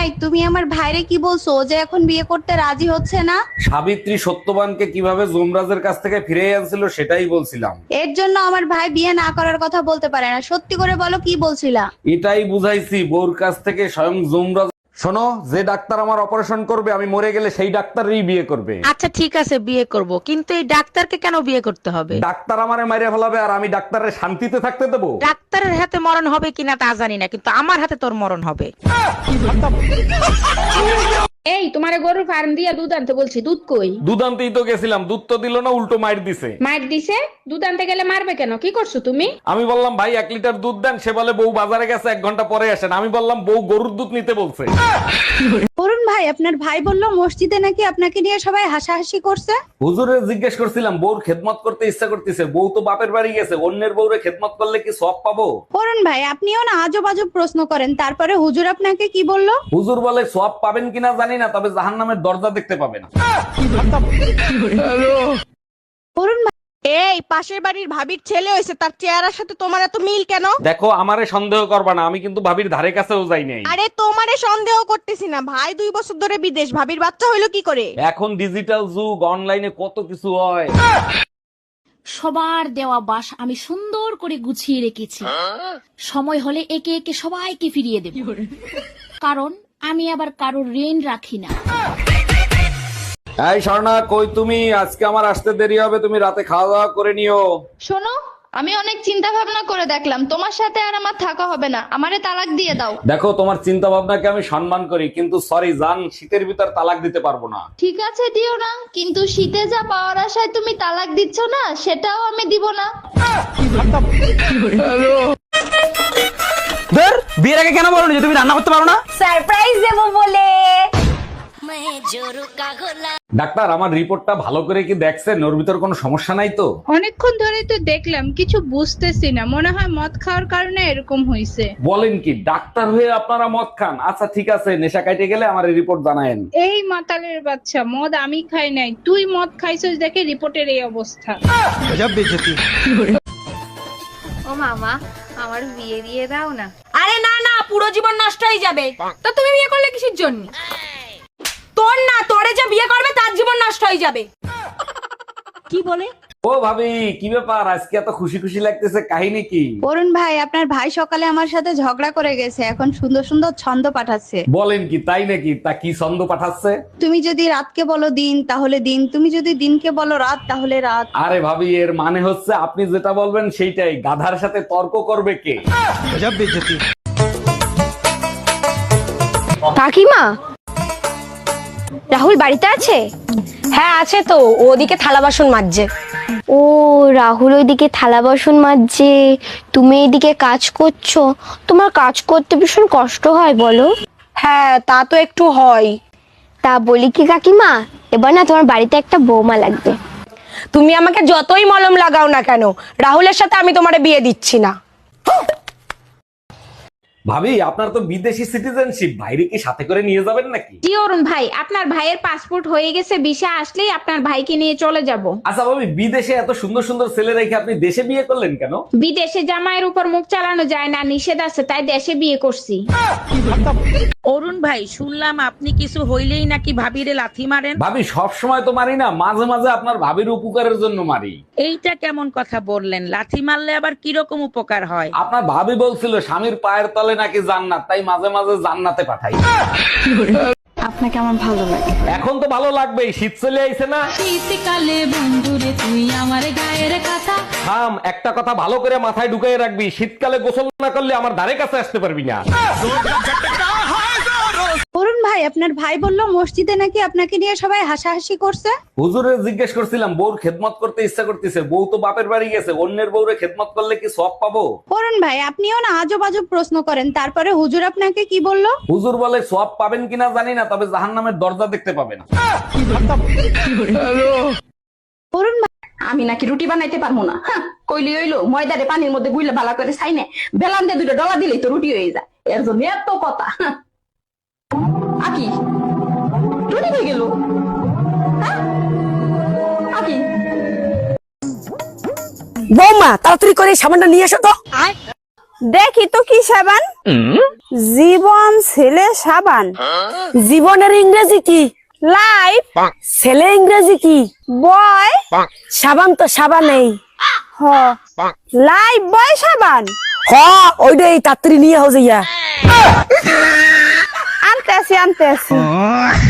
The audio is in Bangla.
এই তুমি আমার ভাইরে কি বলছো, ও যে এখন বিয়ে করতে রাজি হচ্ছে না? সাবিত্রী সত্যবানকে কিভাবে যমরাজের কাছ থেকে ফিরে আনছিল সেটাই বলছিলাম। এর জন্য আমার ভাই বিয়ে না করার কথা বলতে পারে না। সত্যি করে বলো, কি বলছিলা? এটাই বুঝাইছি বউর কাছ থেকে স্বয়ং যমরাজ। শোনো, যে ডাক্তার আমার অপারেশন করবে আমি মরে গেলে সেই ডাক্তারই বিয়ে করবে। আচ্ছা ঠিক আছে, বিয়ে করব, কিন্তু এই ডাক্তারকে কেন বিয়ে করতে হবে? ডাক্তার আমারে মাইরে ফেলাবে আর আমি ডাক্তারের শান্তিতে থাকতে দেবো? ডাক্তারের হাতে মরণ হবে কিনা তা জানি না, কিন্তু আমার হাতে তোর মরণ হবে। এই তোমারে গরুর ফার্ম দিয়া দুধ আনতে বলছি, দুধ কই? দুধ আনতেই তো গেছিলাম, দুধ তো দিল না, উল্টো মাইর দিছে। মার দিছে? দুধ আনতে গেলে মারবে কেন? কি করছো তুমি? আমি বললাম ভাই 1 লিটার দুধ দেন, সে বলে বউ বাজারে গেছে 1 ঘন্টা পরে আসেন। আমি বললাম বউ গরুর দুধ নিতে বলছে। অরুণ ভাই, আপনার ভাই বললো মসজিদে নাকি আপনাকে নিয়ে সবাই হাসাহাসি করছে। হুজুরে জিজ্ঞেস করছিলাম বউর খেদমত করতে ইচ্ছা করতেছে, বউ তো বাপের বাড়ি গেছে, অন্যের বউরে খেদমত করলে কি সওয়াব পাবো? অরুণ ভাই, আপনিও না আজব আজব প্রশ্ন করেন। তারপরে হুজুর আপনাকে কি বললো? হুজুর বলে সওয়াব পাবেন কিনা জানি না, তবে জাহান্নামের দরজা দেখতে পাবেন। অরুণ ভাই, এই পাশের বাড়ির ভাবির ছেলে হয়েছে, তার চেহারার সাথে তোমার এত মিল কেন? দেখো, আমারে সন্দেহ করবা না, আমি কিন্তু ভাবির ধারে কাছেও যাই নাই। আরে তোমারে সন্দেহ করতেছি না, ভাই 2 বছর ধরে বিদেশ, ভাবির বাচ্চা হইলো কি করে? এখন ডিজিটাল যুগ, অনলাইনে কত কিছু হয়। সবার দেওয়া বাস আমি সুন্দর করে গুছিয়ে রেখেছি। সময় হলে একে একে সবাইকে ফিরিয়ে দেব, কারণ আমি আবার কারোর ঋণ রাখি না। এই স্বর্ণা, কই তুমি? আজকে আমার আসতে দেরি হবে, তুমি রাতে খাওয়া দাওয়া করে নিও। শোনো, আমি অনেক চিন্তা ভাবনা করে দেখলাম, তোমার সাথে আর আমার থাকা হবে না। আমারে তালাক দিয়ে দাও। দেখো, তোমার চিন্তা ভাবনাকে আমি সম্মান করি, কিন্তু সরি জান, শীতের ভিতর তালাক দিতে পারবো না। ঠিক আছে, দিও না, কিন্তু শীতে যা পাওয়ার আশায় তুমি তালাক দিচ্ছ না, সেটাও আমি দিব না। ধর, বিয়ের আগে কেন বলনি যে তুমি রান্না করতে পারো না? সারপ্রাইজ দেবো বলে। ডাক্তার, আমার রিপোর্টটা ভালো করে কি দেখছেন? ওর ভিতর কোনো সমস্যা নাই তো? অনেকক্ষণ ধরেই তো দেখলাম, কিছু বুঝতেছি না। মনে হয় মদ খাওয়ার কারণে এরকম হইছে। বলেন কি, ডাক্তার হয়ে আপনারা মদ খান? আচ্ছা ঠিক আছে, নেশা কাইটে গেলে আমার রিপোর্ট জানায়েন। এই মাতালের বাচ্চা, মদ আমি খাই নাই, তুই মদ খাইছিস দেখে রিপোর্টের এই অবস্থা। ও মামা, আমার বিয়ে দিয়ে দাও না। আরে না না, পুরো জীবন নষ্ট হয়ে যাবে। তো তুমি বিয়ে করলে কিসের জন্য? তোর না, তোরে যে বিয়ে করবে তার জীবন নষ্ট হয়ে যাবে। কি বলে? ও ভাবি, কি ব্যাপার আজকে এত খুশি খুশি লাগতেছে, কাহিনী কি? অরুণ ভাই, আপনার ভাই সকালে আমার সাথে ঝগড়া করে গেছে, এখন সুন্দর সুন্দর ছন্দ পাঠাচ্ছে। বলেন কি, তাই নাকি? তা কি ছন্দ পাঠাচ্ছে? তুমি যদি রাতকে বলো দিন তাহলে দিন, তুমি যদি দিনকে বলো রাত তাহলে রাত। আরে ভাবি, এর মানে হচ্ছে আপনি যেটা বলবেন সেইটাই। গাধার সাথে তর্ক করবে কে? কাকিমা, রাহুল বাড়িতে আছে? হ্যাঁ আছে তো, ওদিকে থালা বাসন মাজছে। ও, রাহুল ওইদিকে থালা বাসন মাজছে, তুমি এইদিকে কাজ করছো। তোমার কাজ করতে ভীষণ কষ্ট হয় বলো? হ্যাঁ তা তো একটু হয়। তা বলি কি কাকিমা, এবার না তোমার বাড়িতে একটা বৌমা লাগবে। তুমি আমাকে যতই মলম লাগাও না কেন, রাহুলের সাথে আমি তোমারে বিয়ে দিচ্ছি না। ভাবি, আপনার তো বিদেশি সিটিজেনশিপ, ভাইরে কি সাথে করে নিয়ে যাবেন নাকি? জি অরুণ ভাই, আপনার ভাইয়ের পাসপোর্ট হয়ে গেছে, ভিসা আসলেই আপনার ভাইকে নিয়ে চলে যাব। আচ্ছা ভাবি, বিদেশে এত সুন্দর সুন্দর ছেলে রেখে আপনি দেশে বিয়ে করলেন কেন? বিদেশে জামাইয়ের উপর মুখ চালানো যায় না, নিষেধ আছে, তাই দেশে বিয়ে করছি। অরুণ ভাই, শুনলাম আপনি কিছু হইলেই নাকি ভাবিরে লাথি মারেন। ভাবি, সব সময় তো মারি না, মাঝে মাঝে আপনার ভাবির উপকারের জন্য মারি। এইটা কেমন কথা বললেন? লাথি মারলে আবার কিরকম উপকার হয়? আপনার ভাবি বলছিল স্বামীর পায়ের তলে নাকি জান্নাত, তাই মাঝে মাঝে জান্নাতে পাঠাই। আপনাকে আমার ভালো লাগে। এখন তো ভালো লাগবেই, শীত চলে আইছে না? শীতকালে বন্ধুরে তুই আমার গায়ের কথা। থাম, একটা কথা ভালো করে মাথায় ঢুকিয়ে রাখবি, শীতকালে গোসল না করলে আমার ধারে কাছে আসতে পারবি না। অরুণ ভাই, আপনার ভাই বললো মসজিদে নাকি আপনাকে নিয়ে সবাই হাসাহাসি করছে। হুজুরে জিজ্ঞেস করছিলাম বউর খেদমত করতে ইচ্ছা করতেছে, বউ তো বাপের বাড়ি গেছে, অন্যের বউরে খেদমত করলে কি সওয়াব পাবো? অরুণ ভাই, আপনিও না আজব আজব প্রশ্ন করেন। তারপরে হুজুর আপনাকে কি বললো? হুজুর বলে সওয়াব পাবেন কিনা জানি না, তবে জাহান্নামের দরজা দেখতে পাবেন। অরুণ ভাই, আমি নাকি রুটি বানাইতে পারবো না? কইলি হইলো, ময়দারে পানির মধ্যে গুইলে ভালো করে ছাইনে বেলান দিয়ে 2টা ডলা দিলেই তো রুটি হয়ে যায়। এর জন্য এত কথা। আকি রুটি হয়ে গেল। আকি বৌমা, তাড়াতাড়ি করে সাবানটা নিয়ে এসো তো। দেখি তো কি সাবান? জীবন ছেলে সাবান। জীবনের ইংরেজি কি? লাইফ। ছেলে ইংরেজি কি? বয়। সাবান তো সাবানেই। হ। লাইফ বয় সাবান। হ ওইটাই তাড়াতাড়ি নিয়ে হও যাইয়া। আনতে আসি।